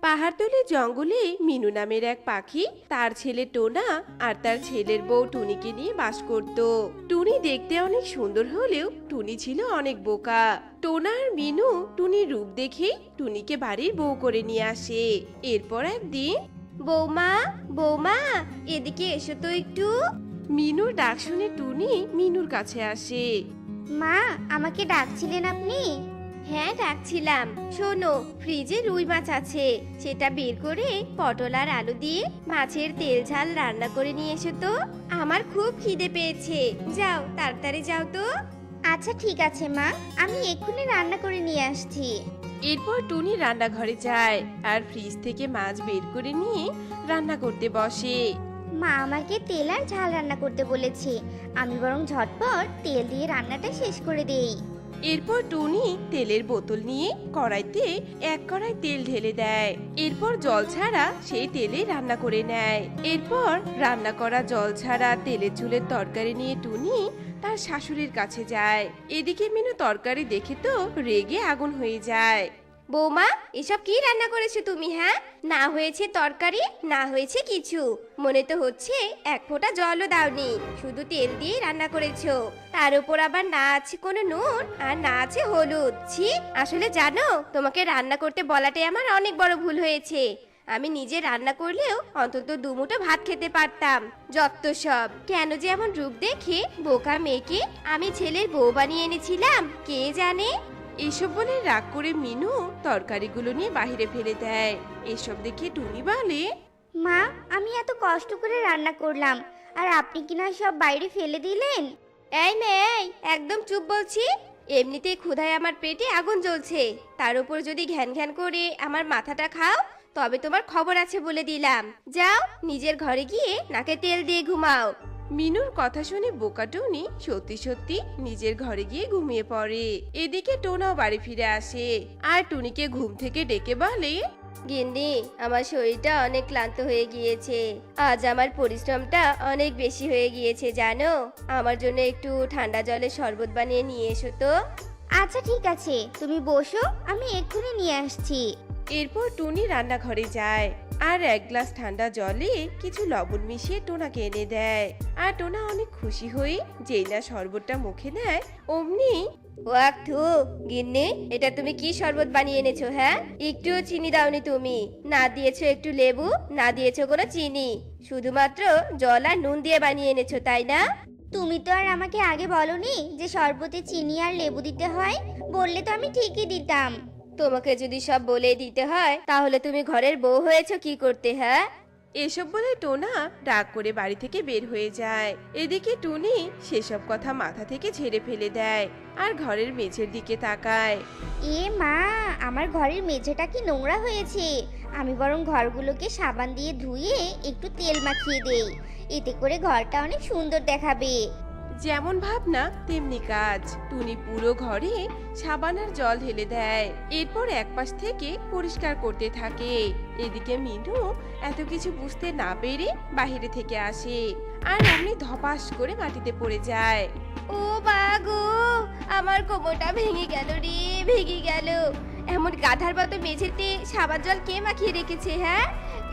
পাহাড়তলি জঙ্গলে মিনু নামের এক পাখি তার ছেলে টোনা আর তার ছেলের বউ টুনিকে নিয়ে বাস করত। টুনি দেখতে অনেক সুন্দর হলেও টুনি ছিল অনেক বোকা। টোনা আর মিনু টুনির রূপ দেখে টুনিকে বাড়ির বউ করে নিয়ে আসে। এরপর একদিন, বৌমা বৌমা এদিকে এসো তো একটু। মিনুর ডাক শুনে টুনি মিনুর কাছে আসে। মা, আমাকে ডাকছিলেন আপনি? হ্যাঁ ডাকছিলাম। শোনো, ফ্রিজে রুই মাছ আছে, সেটা বের করে পটল আর আলু দিয়ে মাছের তেল ঝাল রান্না করে নিয়ে এসো তো। আমার খুব খিদে পেয়েছে, যাও তাড়াতাড়ি যাও তো। আচ্ছা ঠিক আছে মা, আমি এক্ষুনি রান্না করে নিয়ে আসছি। এরপর টুনি রান্নাঘরে যায় আর ফ্রিজ থেকে মাছ বের করে নিয়ে রান্না করতে বসে। মা আমাকে তেল আর ঝাল রান্না করতে বলেছে, আমি বরং ঝটপট তেল দিয়ে রান্নাটা শেষ করে দেই। এরপর টুনি তেলের বোতল নিয়ে কড়াইতে এক কড়াই তেল ঢেলে দেয়। এরপর জল ছাড়া সেই তেলে রান্না করে নেয়। এরপর রান্না করা জল ছাড়া তেলের ঝোলের তরকারি নিয়ে টুনি তার শাশুড়ির কাছে যায়। এদিকে মিনু তরকারি দেখে তো রেগে আগুন হয়ে যায়। বৌমা, এসব কি রান্না করেছো তুমি? হ্যাঁ, না হয়েছে তরকারি, না হয়েছে কিছু, মনে তো হচ্ছে এক ফোঁটা জলও দাওনি, শুধু তেল দিয়ে রান্না করেছো। তার উপর আবার না আছে কোনো নুন আর না আছে হলুদ। ছি, আসলে জানো, তোমাকে রান্না করতে বলাটাই আমার অনেক বড় ভুল হয়েছে। আমি নিজে রান্না করলেও অন্তত দুমুঠো ভাত খেতে পারতাম। যত সব, কেন যে এমন রূপ দেখে বোকা মেয়েকে আমি ছেলের বউ বানিয়ে এনেছিলাম কে জানে। এসব বলে রাগ করে মিনু তরকারিগুলো নিয়ে বাইরে ফেলে দেয়। এসব দেখে টুনি বলে, মা, আমি এত কষ্ট করে রান্না করলাম আর আপনি কিনা সব বাইরে ফেলে দিলেন। এই মেয়ে, একদম চুপ বলছি। এমনিতেই ক্ষুধায় আমার পেটে আগুন জ্বলছে, তার উপর যদি ঘ্যান ঘ্যান করে আমার মাথাটা খাও তবে তোমার খবর আছে বলে দিলাম। যাও নিজের ঘরে গিয়ে নাকে তেল দিয়ে ঘুমাও। মিনুর কথা শুনে বোকা টুনি সত্যি সত্যি নিজের ঘরে গিয়ে ঘুমিয়ে পড়ে। এদিকে টোনাও বাড়ি ফিরে আসে আর টুনিকে ঘুম থেকে ডেকে বলে, গিন্নি, আমার শরীরটা অনেক ক্লান্ত হয়ে গিয়েছে, আজ আমার পরিশ্রমটা অনেক বেশি হয়ে গিয়েছে জানো। আমার জন্য একটু ঠান্ডা জলের শরবত বানিয়ে নিয়ে এসো তো। আচ্ছা ঠিক আছে, তুমি বসো, আমি এক্ষুনি নিয়ে আসছি। এরপর টুনি রান্নাঘরে যায় আর এক গ্লাস ঠান্ডা জলে কিছু লবণ মিশিয়ে টোনাকে এনে দেয়। আর টোনা অনেক খুশি হয়ে যেই না শরবতটা মুখে নেয় অমনি, ওয়াক থু, গিন্নি, এটা তুমি কি শরবত বানিয়ে এনেছো? হ্যাঁ, একটুও চিনি দাওনি তুমি, না দিয়েছো একটু লেবু, না দিয়েছো কোনো চিনি, শুধুমাত্র জল আর নুন দিয়ে বানিয়ে এনেছো তাই না? তুমি তো আর আমাকে আগে বলনি যে শরবতে চিনি আর লেবু দিতে হয়, বললে তো আমি ঠিকই দিতাম। তোমাকে যদি সব বলে দিতে হয় তাহলে তুমি ঘরের বউ হয়েছো কি করতে? হ্যাঁ, এসব বলে টোনা রাগ করে বাড়ি থেকে বের হয়ে যায়। এদিকে টুনি সেসব কথা মাথা থেকে ঝেড়ে ফেলে দেয় আর ঘরের মেঝের দিকে তাকায়। এ মা, আমার ঘরের মেঝেটা কি নোংরা হয়েছে, আমি বরং ঘরগুলোকে সাবান দিয়ে ধুয়ে একটু তেল মাখিয়ে দেই, এতে করে ঘরটা অনেক সুন্দর দেখাবে। যেমন ভাবনা তেমনি কাজ। টুনি পুরো ঘরে সাবান আর জল ঢেলে দেয়, এরপর একপাশ থেকে পরিষ্কার করতে থাকে। এদিকে মিনু এত কিছু বুঝতে না পেরে বাহিরে থেকে আসে আর অমনি ধপাস করে মাটিতে পড়ে যায়। ও বাগো, আমার কোমরটা ভেঙে গেল রে, ভেঙে গেল। এমন গাধার মতো মেঝেতে সাবান জল কে মাখিয়ে রেখেছে? হ্যাঁ,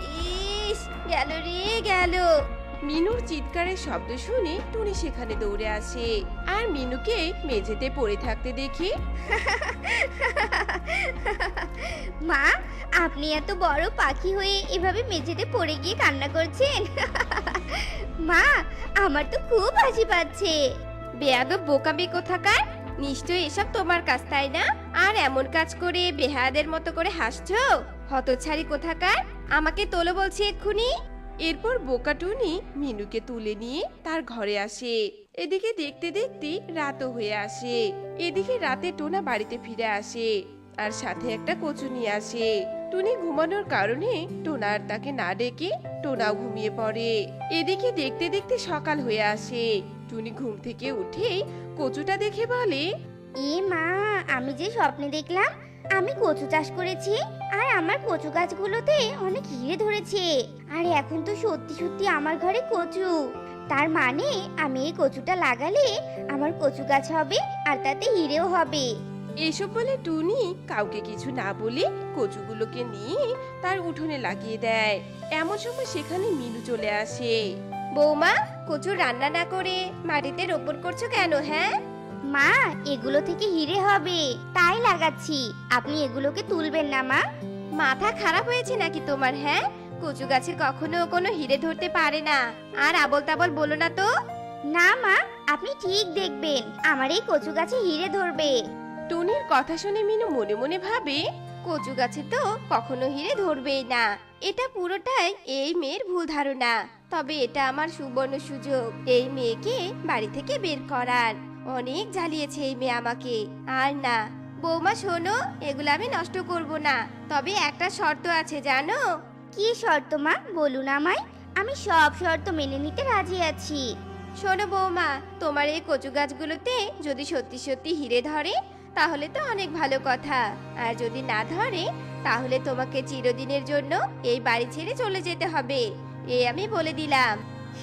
ইস, গেল রে গেল। মিনুর চিৎকারের শব্দ শুনে টুনি সেখানে দৌড়ে আসে আর মিনুকে মেঝেতে পড়ে থাকতে দেখে, মা, আপনি এত বড় পাখি হয়ে এভাবে মেঝেতে পড়ে গিয়ে কান্না করছেন? মা, আমার তো খুব হাসি পাচ্ছে। বেয়াদব বোকামি কোথাকার, নিশ্চয়ই এসব তোমার কাজ তাই না? আর এমন কাজ করে বেহায়াদের মতো করে হাসছো, হতচ্ছাড়ি কোথাকার। আমাকে তোলো বলছি এক্ষুনি। এরপর বোকা টুনি মিনুকে তুলে নিয়ে তার ঘরে আসে। এদিকে দেখতে দেখতে রাতও হয়ে আসে। এদিকে রাতে টোনা বাড়িতে ফিরে আসে আর সাথে একটা কচু নিয়ে আসে। টুনি ঘুমানোর কারণে টোনা আর তাকে না ডেকে টোনাও ঘুমিয়ে পড়ে। এদিকে দেখতে দেখতে সকাল হয়ে আসে। টুনি ঘুম থেকে উঠেই কচুটা দেখে বলে, এ মা, আমি যে স্বপ্নে দেখলাম আমি কচু চাষ করেছি আর আমার কচু গাছগুলোতে অনেক হিরে ধরেছে, আর এখন তো সত্যি সত্যি আমার ঘরে কচু। তার মানে আমি এই কচুটা লাগালে আমার কচু গাছ হবে আর তাতে হিরেও হবে। এসব বলে টুনি কাউকে কিছু না বলে কচুগুলোকে নিয়ে তার উঠোনে লাগিয়ে দেয়। এমন সময় সেখানে মিনু চলে আসে। বৌমা, কচু রান্না না করে মাটিতে রোপণ করছো কেন? হ্যাঁ মা, এগুলো থেকে হিরে হবে তাই লাগাচ্ছি। আপনি এগুলোকে তুলবেন না মা। মাথা খারাপ হয়েছে নাকি তোমার? হ্যাঁ, কচু গাছে কখনো কোনো হিরে ধরতে পারে না। আর আবল তাবল বলো না তো। না মা, আপনি ঠিক দেখবেন আমার এই কচু গাছে হিরে ধরবে। টুনির কথা শুনে মিনু মনে মনে ভাবে, কচু গাছে তো কখনো হিরে ধরবেই না। এটা পুরোটাই এই মেয়ের ভুল ধারণা। তবে এটা আমার সুবর্ণ সুযোগ এই মেয়েকে বাড়ি থেকে বের করার। অনেক জ্বালিয়েছে এই মেয়ে আমাকে। আর না বৌমা, শোনো, এগুলো আমি নষ্ট করব না। তবে একটা শর্ত আছে, জানো? কি শর্ত মা, বলুন আমায়। আমি সব শর্ত মেনে নিতে রাজি আছি। শোনো বৌমা, তোমার এই কচু গাছগুলোতে যদি সত্যি সত্যি হিরে ধরে তাহলে তো অনেক ভালো কথা। আর যদি না ধরে তাহলে তোমাকে চিরদিনের জন্য এই বাড়ি ছেড়ে চলে যেতে হবে। এই আমি বলে দিলাম।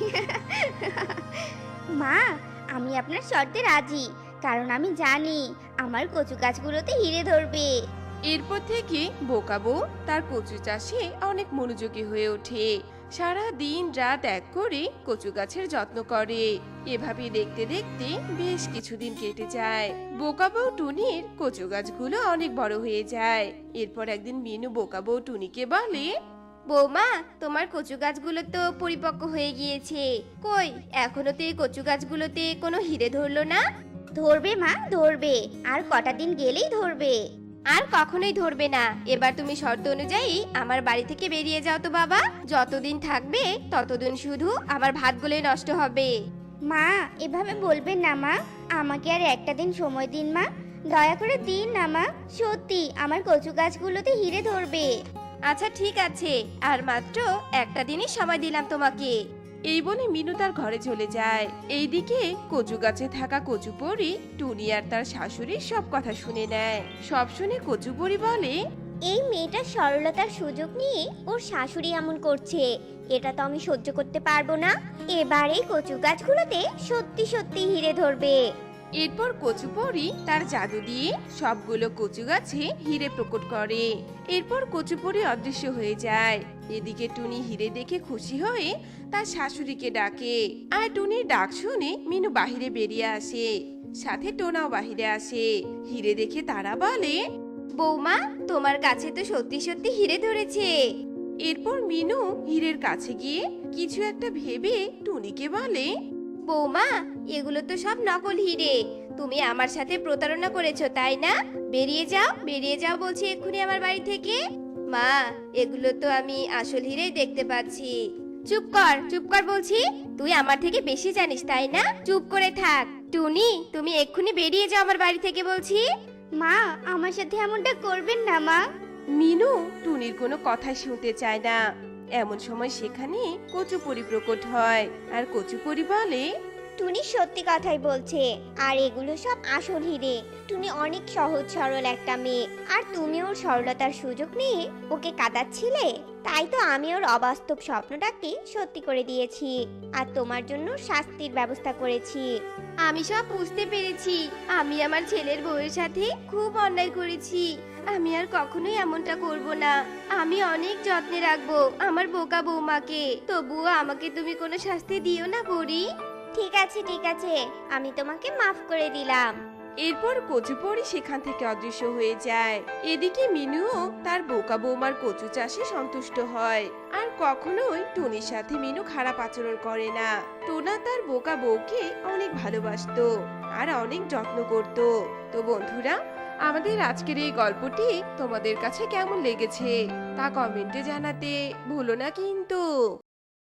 মা, আমি আপনার শর্তে রাজি, কারণ আমি জানি আমার কচু গাছগুলোতে হিরে ধরবে। এরপর থেকে বোকা বউ তার কচু চাষে অনেক মনোযোগী হয়ে ওঠে। সারা দিন রাত এক করে কচু গাছের যত্ন করে। এভাবে দেখতে দেখতে বেশ কিছুদিন কেটে যায়। বোকা বউ টুনির কচু গাছগুলো অনেক বড় হয়ে যায়। এরপর একদিন মিনু বোকা বউ টুনিকে বলে, বৌমা, তোমার কচু গাছগুলো তো পরিপক্ক হয়ে গিয়েছে। কই, এখনো তো এই কচু গাছগুলোতে কোনো হিরে ধরলো না? ধরবে মা, ধরবে। আর কটা দিন গেলেই ধরবে। আর কখনোই ধরবে না। এবার তুমি শর্ত অনুযায়ী আমার বাড়ি থেকে বেরিয়ে যাও তো বাবা। যতদিন থাকবে ততদিন শুধু আমার ভাতগুলোই নষ্ট হবে। মা, এভাবে বলবেন না মা। আমাকে আর একটা দিন সময় দিন মা, দয়া করে দিন না মা। সত্যি আমার কচু গাছগুলোতে হিরে ধরবে। আচ্ছা ঠিক আছে, আর মাত্র একটা দিনই সময় দিলাম তোমাকে। এই বলে মিনু তার ঘরে চলে যায়। এইদিকে কচু গাছে থাকা কচুপরি টুনি আর তার শাশুড়ির সব কথা শুনে নেয়। সব শুনে কচুপরি বলে, এই মেয়েটার সরলতার সুযোগ নিয়ে ওর শাশুড়ি এমন করছে, এটা তো আমি সহ্য করতে পারবো না। এবার এই কচু গাছগুলোতে সত্যি সত্যি হিরে ধরবে। এরপর কচুপরি তার জাদু দিয়ে সবগুলো কচু গাছে হিরে প্রকট করে। এরপর কচুপরি অদৃশ্য হয়ে যায়। এদিকে টুনি হিরে দেখে খুশি হয়ে তার শাশুড়িকে ডাকে। আর টুনির ডাক শুনে মিনু বাহিরে বেরিয়ে আসে, সাথে টোনাও বাহিরে আসে। হিরে দেখে তারা বলে, বৌমা, তোমার কাছে তো সত্যি সত্যি হিরে ধরেছে। এরপর মিনু হীরের কাছে গিয়ে কিছু একটা ভেবে টুনিকে বলে, বৌমা, এগুলো তো সব নকল হিরে। তুমি আমার সাথে প্রতারণা করেছো, তাই না? বেরিয়ে যাও, বেরিয়ে যাও বলছি এক্ষুনি আমার বাড়ি থেকে। মা, এগুলো তো আমি আসল হিরেই দেখতে পাচ্ছি। চুপ কর, চুপ কর বলছি। তুই আমার থেকে বেশি জানিস, তাই না? চুপ করে থাক। টুনি, তুমি এক্ষুনি বেরিয়ে যাও আমার বাড়ি থেকে বলছি। মা, আমার সাথে এমনটা করবেন না মা। মিনু টুনির কোনো কথা শুনতে চায় না। এমন সময় সেখানে কচুপরি প্রকট হয়। আর কচুপরি বলে, টুনি সত্যি কথাই বলছে, আর এগুলো সব আসল হিরে। টুনি অনেক সহজ সরল একটা মেয়ে, আর তুমি ওর সরলতার সুযোগ নিয়ে ওকে কাঁদাচ্ছিলে। তাই তো আমি ওর অবাস্তব স্বপ্নটাকে সত্যি করে দিয়েছি, আর তোমার জন্য শাস্তির ব্যবস্থা করেছি। আমি সব বুঝতে পেরেছি। আমি আমার ছেলের বউয়ের সাথে খুব অন্যায় করেছি। আমি আর কখনোই এমনটা করব না। আমি অনেক যত্নে রাখবো আমার বোকা বৌমাকে। তবুও আমাকে তুমি কোনো শাস্তি দিও না পরি। ঠিক আছে, ঠিক আছে, আমি তোমাকে মাফ করে দিলাম। এরপর কচুপরি সেখান থেকে অদৃশ্য হয়ে যায়। এদিকে মিনুও তার বোকা বৌমার কচু চাষে সন্তুষ্ট হয়। আর কখনোই টুনির সাথে মিনু খারাপ আচরণ করে না। টোনা তার বোকা বউকে অনেক ভালোবাসতো আর অনেক যত্ন করত। তো বন্ধুরা, আমাদের আজকের এই গল্পটি তোমাদের কাছে কেমন লেগেছে তা কমেন্টে জানাতে ভুলো না কিন্তু।